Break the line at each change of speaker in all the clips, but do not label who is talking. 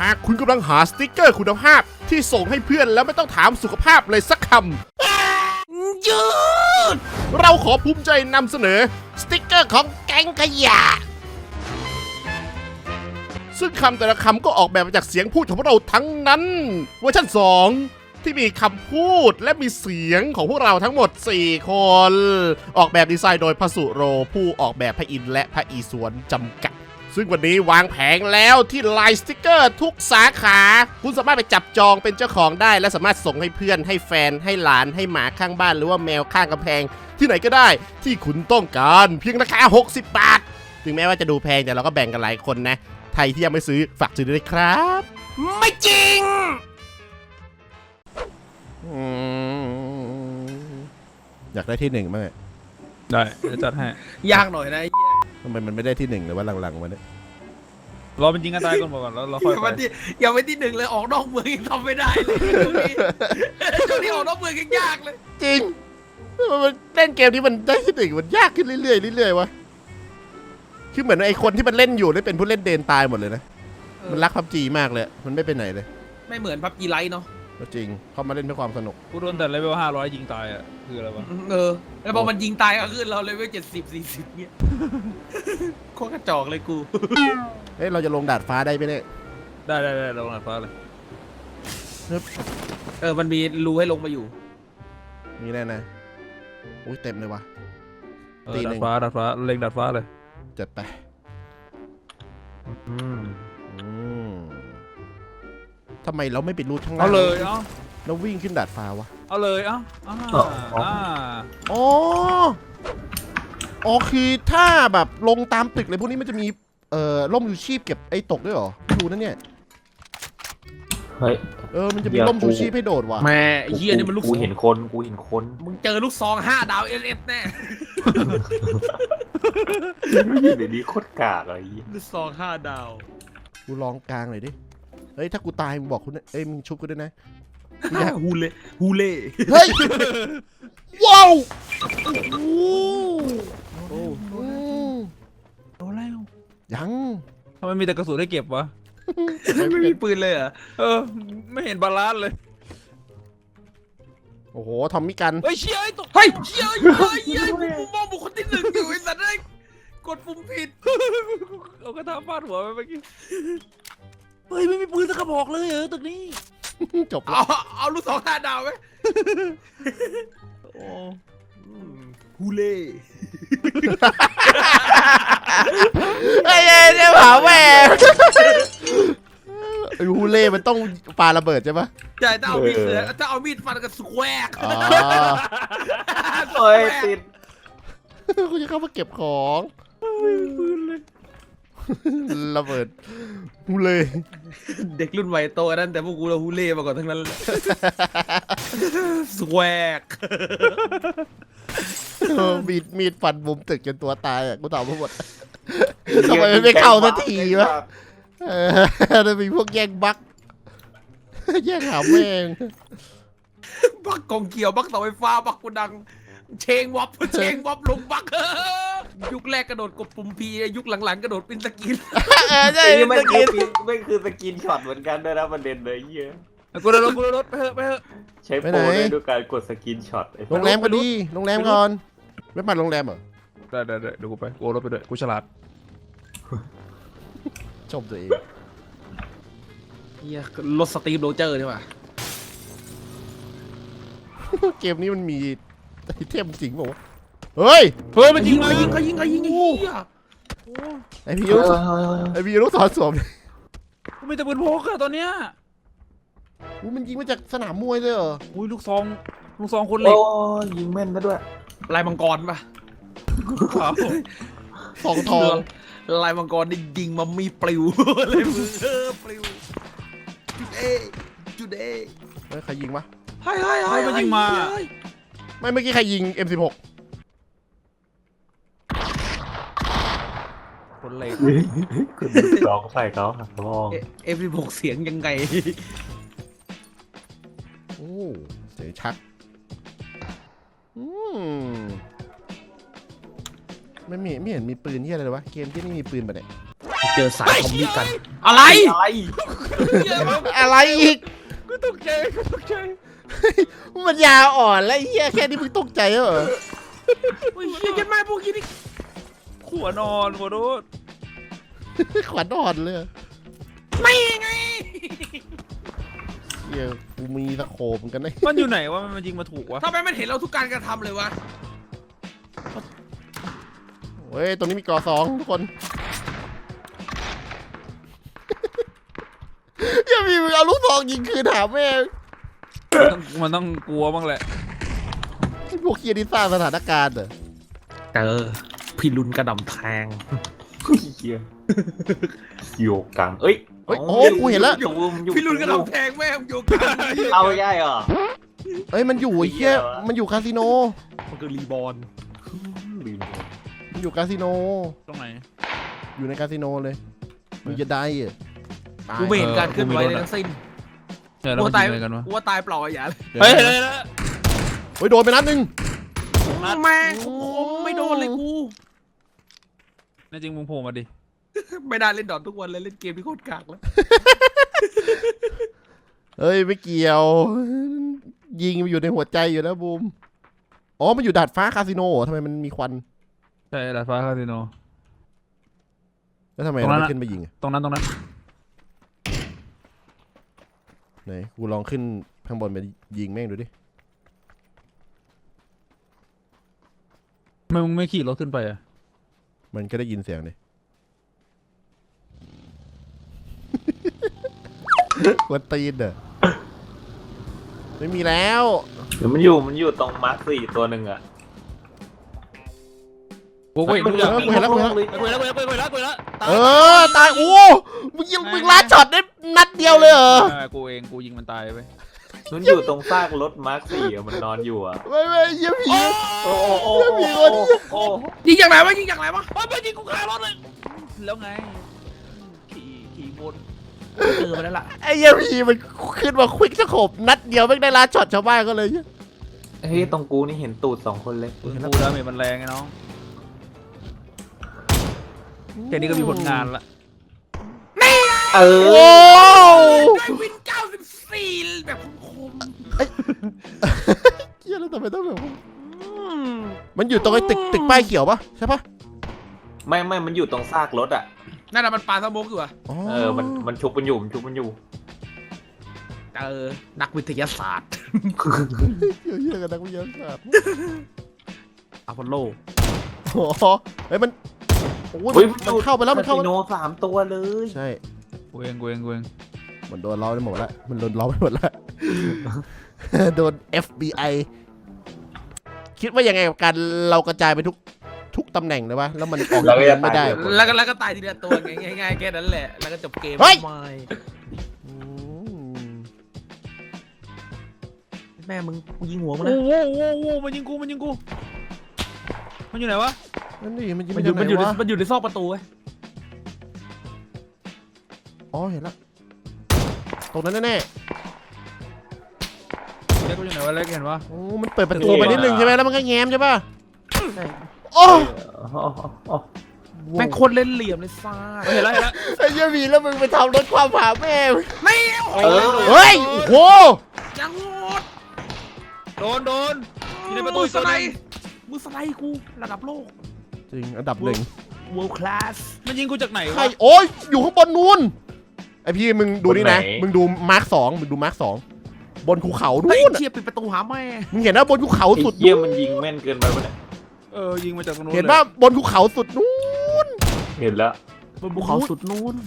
ากคุณกำลังหาสติกเกอร์คุณภาพที่ส่งให้เพื่อนแล้วไม่ต้องถามสุขภาพเลยสักคำหยุดเราขอภูมิใจนำเสนอสติกเกอร์ของแก๊งขยะซึ่งคำแต่ละคำก็ออกแบบมาจากเสียงพูดของพวกเราทั้งนั้นเวอร์ชัน2ที่มีคำพูดและมีเสียงของพวกเราทั้งหมด4คนออกแบบดีไซน์โดยพระสุโรผู้ออกแบบพระอินทร์และพระอีสวนจำกัดซึ่งวันนี้วางแผงแล้วที่ไลน์สติกเกอร์ทุกสาขาคุณสามารถไปจับจองเป็นเจ้าของได้และสามารถส่งให้เพื่อนให้แฟนให้หลานให้หมาข้างบ้านหรือว่าแมวข้างกำแพงที่ไหนก็ได้ที่คุณต้องการเพียงราคา60 บาทถึงแม้ว่าจะดูแพงแต่เราก็แบ่งกันหลายคนนะใครที่ยังไม่ซื้อฝากซื้อด้วยครับไม่จริงอยากได้ที่1มั้ง
ได้จะจัดให้
ยากหน่อยนะไอ้เหี้ย
ทำไมมันไม่ได้ที่1หรือว่าหลังๆมันเนี่ย
รอเป็นจริงกันตายก่อนบอกก่อนแล้วเราค่อยไป
อย่าไปที่1เลยออกนอกเมืองยังทำไม่ได้เลยช่วงนี้ออกนอกเมืองยังยากเลย
จริงมันเล่นเกมนี้มันได้ที่1มันยากขึ้นเรื่อยๆเรื่อยๆวะคือเหมือนไอ้คนที่มันเล่นอยู่ได้เป็นผู้เล่นเดนตายหมดเลยนะมันรักพับจีมากเลยมันไม่ไปไหนเลย
ไม่เหมือนพับจีไลท์เนาะ
จริงเขามาเล่นเพื่อความสนุก
กูโดนแต่เลเวล500ยิงตายอ่ะคืออะไรวะ
แล้วพอมันยิงตายก็ขึ้นเราเลเวล70-40เนี่ยโคตรกระจอกเลยกู
เฮ้ยเราจะลงดาดฟ้าได้ไหมเนี่ย
ได้ลงดาดฟ้าเลย
มันมีรูให้ลงมาอยู่
มีแน่นะอุ้ยเต็มเลยวะ
ดาดฟ้าเล็งดาดฟ้าเลย
จัดไปทำไมเราไม่ไปรูดข้างล่าง
เอาเลย
เราวิ่งขึ้นดาดฟ้าวะ
เอาเลย
อ๋อคือถ้าแบบลงตามตึกเลยพวกนี้มันจะมีร่มชูชีพเก็บไอ้ตกด้วยเหรอดูนั่นเนี่ย
เฮ้ย
มันจะมีร่มชูชีพให้โดดว่ะ
แม่ไอ้เหี้ยนี่มันลูก
กูเห็นคน
มึงเจอลูกซอง5 ดาวSFแน่
เดี๋ยวนี้โคตรกากอะไร
ลูกซอง5 ดาว
กูลองกลางเลยดิเฮ้ยถ้ากูตายมึงบอกคุณมึงชุบกูด้วยนะ
ฮูเล่
เฮ้ยว้าว
โอ้แล้ว
ยัง
ทำไมมีแต่กระสุนให้เก็บวะ
ไม่มีปืนเลยอ่ะ
ไม่เห็นบาลานซ์เลย
โอ้โหทอมมี่กัน
เฮ้ยเชี่ยไอ้ตก
เชี่ยกูมองบุคคลที่1อยู่ไอ้สัตว์ได้กดปุ่มผิด
เอากระทะฟาดหัวไปเมื่อกี้เฮ้ยไม่มีปืนสักกระบอกเลยตึกนี้
จบ
เอาลูกซอง5 ดาวไหมฮูเล่
ไอ้เนี่ยเผาแม่ฮูเล่มันต้องปาระเบิดใช่ปะ
ใช่ถ้าเอามีดฟันกับสแควร์
เฮ้ยติด
กูจะเข้ามาเก็บของ
ปืนเลย
ระเบิดฮูเล่
เด็กรุ่นใหม่โตนั่นแต่พวกกูเราฮูเล่มาก่อนทั้งนั้นสแควร์
มีดฟันมุมตึกจนตัวตายอ่ะกูตอบมาหมดทำไมไม่เข้าสักทีวะจะมีพวกแย่งบั๊กแย่งหาแม่ง
บั๊กกองเกี่ยวบั๊กเสาไฟฟ้าบั๊กกูดังเชงวับลงบั๊กยุคแรกกระโดดกดปุ่มพียุคหลังๆกระโดดปิ้นสกิน
ใช่ไม่คือสกินช็อตเหมือนกันด้วยนะประเด็นเลยเยอะ
กูโดนไปเถอะ
ใช้โปรได้ด้วยการกดสกินช็อต
โรงแรมก็ดีโรงแรมก่อนไม่ไปโรงแรมเหรอ
ได้เดี๋ยวกูไปกูรถไปด้วยกูฉลาด
ชมตัวเอง
รถสตีฟโรเจอร์ใช่ป่ะ
เกมนี้มันมีไอเทมจริงป่าวเฮ้ย
มันยิง
ไอพี่ลูกศรสวม
กูมีแต่ปืนพกอะตอนเนี้ย
มันยิงมาจากสนามมวยเลยเหรอ
ลูกซองคนเหล็ก
ยิงแม่นซะด้วย
ลายมังกรป่ะ
สองทอง
ลายมังกรนี่ยิงมามีปลิวเลยมือปลิวจุดเอ
ใครยิงวะ
ให้
มันยิงมา
ไม่เมื่อกี้ใครยิง M16
คนเหล็ก
คุณลองใส่เขาลอง
M16 เสียงยังไง
เสียงชักไม่เห็นมีปืนที่อะไรเลยวะเกมที่นี่มีปืนปะเนี่ย
เจอสายคอมมิกัน อะไร
อะไร
อะไรอีก
กูตกใจกูตกใจ
มันยาอ่อนแล้วไอ้เหี้ยแค่นี้มึงตกใจเหรอ
โอ้ยเฮียยันแม่พวกนี้นี่
ขัวนอนขอโทษ
ขวัญอ่อนเลย
ไม่ไง
เหี้ยกูมีตะโขบเหมือนกันนะ
มันอยู่ไหนวะมันยิงมาถูกวะ
ทำไมมันเห็นเราทุกการกระทำเลยวะ
เฮ้ยตรงนี้มีกอสองทุกคนอย่ามีมึงเอาลูกซองยิงคืนหาแม่ง
มันต้องกลัวบ้างแหละ
ไอ้พวกเคียนี่สร้างสถานการณ์เหรอ
เจอพี่ลุนกระดำแทง
เฮียโยกังเอ้ย
เฮ้ยโอ้กูเห็นแล้ว
พี่ลุนกระดำแทงแม่งโยกัน
เอาง่ายเหรอ
เฮ้ยมันอยู่ไอ้เหี้ยมันอยู่คาสิโน
มันคือรีบอล
มันอยู่คาสิโน
ตรงไหน
อยู่ในคาสิโนเลยมึงจะได้เหรอตาย
กูไม่เห็นการเคลื่อนไหวเลยทั้งสิ้น
เดี๋ยวเรา
กู
ไป
ตาย
ยิงอะไรกันวะ
กูว่าตายเปล่าอย่าเลย
เฮ้ยเฮ้ย
เฮ้ยโดนไปนัดหนึง
แม่งคมไม่โดนเลยกู
แน่จริงมึงโผล่มาดิ
ไม่ได้เล่นดอททุกวันเลยเล่นเกมที่โคตรกากแล้ว
เฮ้ยไม่เกี่ยว ยิงมันอยู่ในหัวใจอยู่แล้วบูมอ๋อมันอยู่ดาดฟ้าคาสิโนเหรอทำไมมันมีควัน
ใช่ดาดฟ้าคาสิโน
แล้วทำไม
ตรง
เรา
นั้น
ไม่
อะ
ขึ้นไปยิงอะ
ตรงนั้น
ไหนกูลองขึ้นข้างบนไปยิงแม่งดูดิ
ทำไมมึงไม่ขี่รถขึ้นไปอ่ะ
มันก็ได้ยินเสียงดิ กวนตีนเด้อไม่มีแล้ว
เดี๋ยวมันอยู่ตรงมาร์ค4ตัวหนึ่งอะ
กูเห็นทุกอย่าง
กูเห็นแล้ว
กูเห็นแล้ว
เออตายโอ้มึงยิงมึงลัดช็อตได้นัดเดียวเลยเหรอ
กูเองกูยิงมันตายไป
มันอยู่ตรงซากรถมาร์ค4อะมันนอนอยู่อะ
ไม่เยี่ยผี
โอ้โอ้โอ้
มีคน
โอ้
ยิงอย่างไรวะยิงอย่างไรวะ
ไปยิงกูคารถเลยแล้วไงขี่บน
เจอมาแล้วล่ะ
ไอ้เยี่ยผีมันขึ้นมาควิกสโคปนัดเดียวไม่งได้ลัดช็อตชาวบ้านก็เลย
เฮ้ยตรงกูนี่เห็นตูด2คนเลย
กูดาเมจมันแรงไงน้องแค่นี้ก็มีผลงานละ
เอ
โอ้
ได้วิน94แบบคม
เยี่ยแล้วทำไมต้องแบบมันอยู่ตรงไอ้ตึกป้ายเขียวปะใช่ปะ
ไม่มันอยู่ตรงซากรถอะ
นั่นน่ะมันปลาสโมกอยู่อะ
มันชุบมันอยู่
เจอนักวิทยาศาสตร์
เยี่ยกันนักวิทยาศาสตร์
อพอลโล
โอ้โหเฮ้ยมันโอ้ย
เฮ้ย
มันเข้าไปแล้วมันเข้า
ค
ไป
สิโน3 ตัวเลย
ใช่
กูเอง
มันโดนล้อไปหมดแล้วมันโดนล้อไปหมดแล้ว โดน FBI คิดว่ายังไงกับการเรากระจายไปทุกตำแหน่งเลยวะแล้วมันออกเงินไม่ได้
แล้วก็ตายทีละตัวง่ายๆแค่นั้นแหละแล้วก็จบเกม
เฮ้ย
ไม่แม่มึงยิงหัวมึง
โอ้
นะ
โหมันยิงกูมันอยู่ไหนวะ
นั่นดิมันยิง
มัน
มา
อยู่
จากไหนวะ
มันอยู่ในซอกประตูเว้ย
อ๋อเห็นแล้วตรงนั้นแน่
เล็กกูอยู่ไหนวะเล็กเห็นวะ
ๆโอ้มันเปิดประตูไปนิดนึงใช่ไหมแล้วมันก็แง้มใช่ปะโอ้
แม่งโคตรเล่นเหลี่ยมเลยซ่า
เห็นแล้ว
ไอ้เหี้ยมีแล้วมึงไปทำรถความผ่าแม่
ไม่
เฮ้ยโอ้โห
จังโหด
โดนอยู่ในประตู
มื
อี
อก ส
ตัว
ไล
นึง
ด์มือสไลด์กูระดับโลก
จริงอันดับหนึ่ง
world class
มันยิงกูจากไหน
ใคร
วะ
โอ้ยอยู่ข้างบนนู้นไอพี่มึงดูนี่นะมึงดูมาร์ค2มึงดูมาร์ค2บนภูเขา
ไอ้
นู่น
เชียปิดประตูหาแม่
มึงเห็นนะบนภูเขาสุด
เยี่ยมันยิงแม่นเกินไปปะเนี่ย
ยิงมาจากตรงนู้น
เห็นป่ะบนภูเขาสุดนู้น
เห็นแล้ว
บนภูเขาสุดนู้น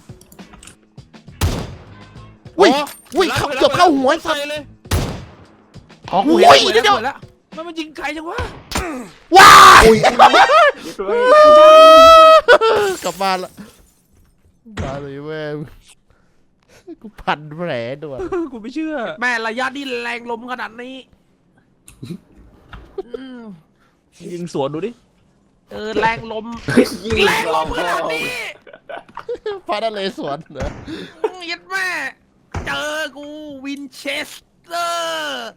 อุ้ยเกือบเข้าหัวไอ้สัตว์
เลย
อ๋อกู
โอ้
เห็น
ยเดี๋ยว
แล้ว
มันยิงใครจังวะ
ว้ายกลับบ้านละมาเลยแม่กูพันแผลด่วน
กูไม่เชื่อ
แม่ระยะนี่แรงลมขนาดนี้
ยิงสวนดูดิ
แรงลม
ยิง
แรงลมขนาดนี้
พระนเรศวรเหรอ
ยัดแม่เจอกูวินเชสเตอร์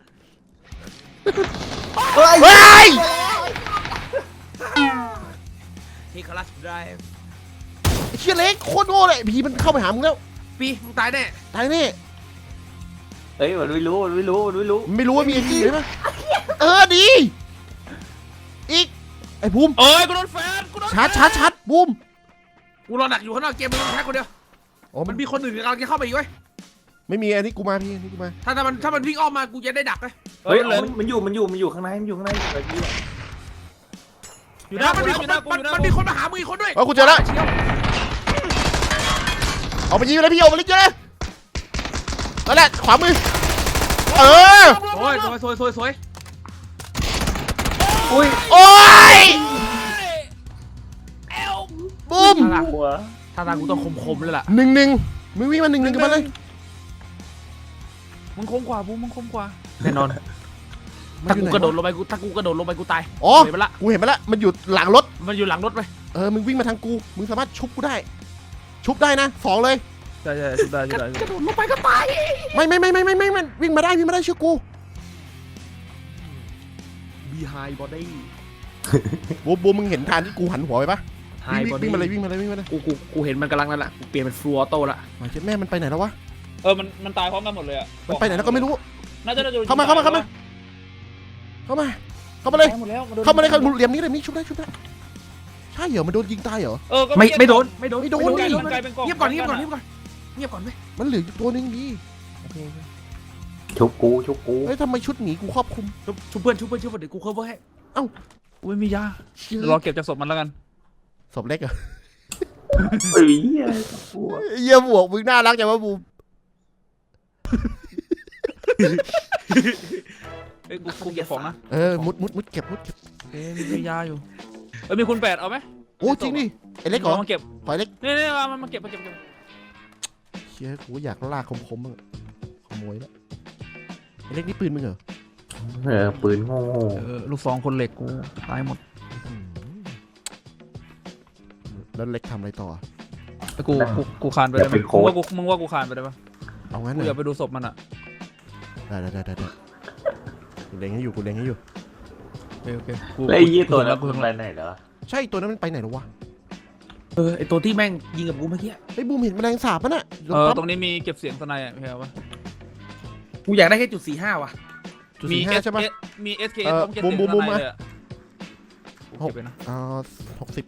เฮ้ย
ที่คลัชไดรฟ์
เชี่ยเล็กโคตรโง่เลยผีมันเข้าไปหามึงแล้ว
ปีมึงตายแน่
ตายแน่
เฮ้ยมันไม่รู้มันไม่รู้มันไม่รู้
ไม่รู้ว่ามีไอ้กี้ใช่ไหมดีอีกไอ้บูม
เอ้ยกูโดนแฟนกูโดน
ชาร์จบูม
กูรอดักอยู่ข้างนอกเกมมึงแค่คนเดียว
อ๋อ
มันมีคนอื่นกำลังจะเข้าไปอีกเว้ย
ไม่มีอันนี้กูมาพี่อันนี้กูมา
ถ้ามันวิ่งอ้อมมากูจะได้ดักเลย
เฮ้ยมันอยู่ข้างในมันอยู่ข้างในไอ้พี่
อยู่หน้า
มัน
กู
มี
อยู่หน้ากูอยู่หน้า
มัน
กู
มีคนมาหามึงอีกคนด้วย
กูเจอแล้วเอาไปยิงเลยพี่เอาไปยิงเลยนั่นแหละขวามือเออ
โอ้ยสวย
อุ้ย
โอ้ย
เอล
บูม
หัว
ท่าทางกูต้องคมๆเลยล่ะ
1-1มึงวิ่งมา1-1กันมาเลย
มึงคมกว่าบูมมึงคมกว่า
แน่นอน
มัน
ถ้า
อยู่
กู
ไหน
กระโดดลงไปกูตาย
อ๋อ
เห็นปะล่ะ
กูเห็นมาแล้วมันอยู่หลังรถ
มันอยู่หลังรถไป
มึงวิ่งมาทางกูมึงสามารถชุบกูได้ ชุบได้นะ2เลย
ใช่ชุดได้
กระโดดลงไปก็ตาย
ไม่มันวิ่งมาได้เชื่อกู
Behind body
บูมมึงเห็นทางที่กูหันหัวไปปะ
High
วิ่ง
body
มาเลยวิ่งมาเลย
กูเห็นมันกำลังนั่นแหละกูเปลี่ยนเป็นฟลูออโต้ละ
มาเช็ดแม่มันไปไหนแล้ววะ
มันตายพร้อมกันหมดเลยอ่ะ
มันไปไหนแล้วก็ไม่รู้
น่าจะโดน
เข้ามาเลยเข้ามาเลยเข้ามาเลยเหลี่ยมนี้ชุบได้ใช่เหรอมันโดนยิงตายเหรอ
ไม่โดน
ไม่โดน
เงียบก่อน
มันเหลืออยู่ตัวนึงดีโอเค
ชุบกู
เฮ้ยทำไมชุดหมีกูครอบคลุม
ชุบเพื่อนเดี๋ยวกูเข้าไว้ให้
อุ้ยมียา
เชี่ย
รอเก็บจากศพมันแล้วกัน
ศพเล็กเหรอ
เฮ้ยหัว
เยี่ยบวกมึงน่ารักจังวะบูม
เอ้ยกูเก็บของนะ
มุดเก็บ
มียาอยู่มีคุณ8เอาไหม
โอ้จริงดิไอ้เล็กเหรอ
มาเก็บ
ขอไอ้เล็ก
นี่มาเก็บ
เชี่ยกูอยากลากคมบ้างขโมยแล้วไอ้เล็กนี่ปืนมึงเหรอ
ปืนโง่
ลูกซองคนเหล็กกูตายหมด
แล้วเล็กทำอะไรต่อ
แล้วกูคานไปได้ไหมมึงว่ากูคานไปได้ปะ
เอางั้น
กู
เหร
อยา
อก
ไปดูศพมันอ่ะ
ได้กูเล็งให้อยู่
โอเคกู
แล้วไอ้ยี่ตัวนั้น
กู
มันไปไหนเหรอ
ใช่ตัวนั้นมันไปไหนหรอวะ
ไอตัวที่แม่งยิงกับกูเมื่อกี้
ไอ้บูมเห็นแมลงสาบป่ะน่ะ
ตรงนี้มีเก็บเสียงสไนอ่ะพี่เอาปะ
กูอยากได้แค่จุด45ว่ะ
จุด45ใช่ปะ
มี SKS ต้องเก็บเสียงสไนเลยอ่ะเก็บไปนะ
60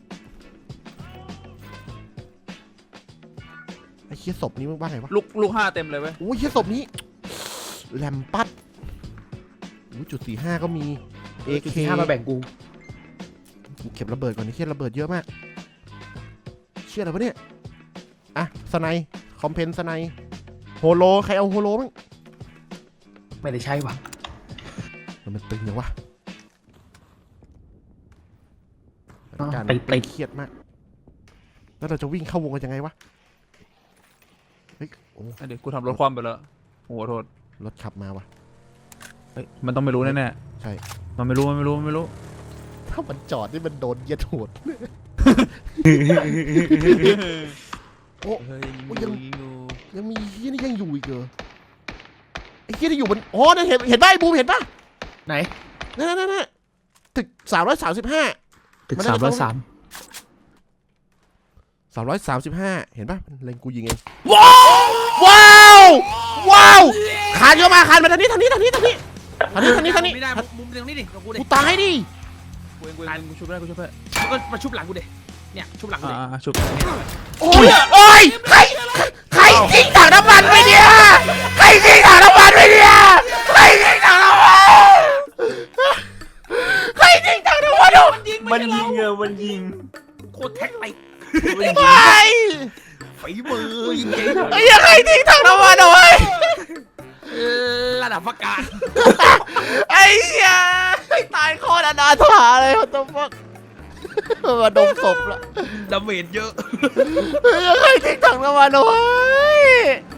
ไอ้เชี่ยศพนี้มึงบ้าไงวะ
ลูก5เต็มเลยเว้ย
โอ้ยเชี่ยศพนี้แลมปัดจุด45ก็มี AK
จุด45มาแบ่งกู
เก็บระเบิดก่อนนี่เชี่ยระเบิดเยอะมากเชี่ยอะไรวะเนี่ยอ่ะสไนคอมเพนสไนโฮโลใครเอาโฮโลมั้ง
ไม่ได้ใช่ว่ะ
มันตึงอย่างวะการ
ไป
เครียดมากแล้วเราจะวิ่งเข้าวงกันยังไงวะเฮ้ยโอ้
เดี๋ยวกูทำรถคว่ำไปแล้วโอ้โหโทษ
รถขับมาวะ
มันต้องไม่รู้แน่
ใช่
ๆมันไม่รู้
ถ้ามันจอดนี่มันโดนเหยียดโหดโอ้
เฮ้ย
ยังมีเฮียนี่ยังอยู่อีกเหรอไอ้เฮียที่อยู่บนอ๋อนั่นเห็นป่ะไอ้บูมเห็นป่ะ
ไหน
นั่นตึก335
ตึก
มันน่าจะ
303
335เห็นป่ะมันเล็งกูยิงเองว้าวคานเข้ามาคานมาทางนี้ไม่ได้มุมตรงนี้ดิกูตายดิ
กูชุบได้
ก็มาชุบหลังกูดิเนี่ยชุบหลังกูดิ
ชุบ
โอ้ยใครทิ้งถังน้ำมันไปเนี่ยใครทิ้งถังน้ำมัน
มันยิง
โคตรแท็กไป
ไม่
ฝีมือยิงเก่ง
ไอ้ยังใครทิ้งถังน้ำมันเอาไว้
ระดับประกาศ
ไอ้เหี้ยตายโคตรอนาถาเลยwhat the fuck มาดมศพละ
ดาเมจเยอะ
ยังใครทิ้งถังน้ำมันเอาไว้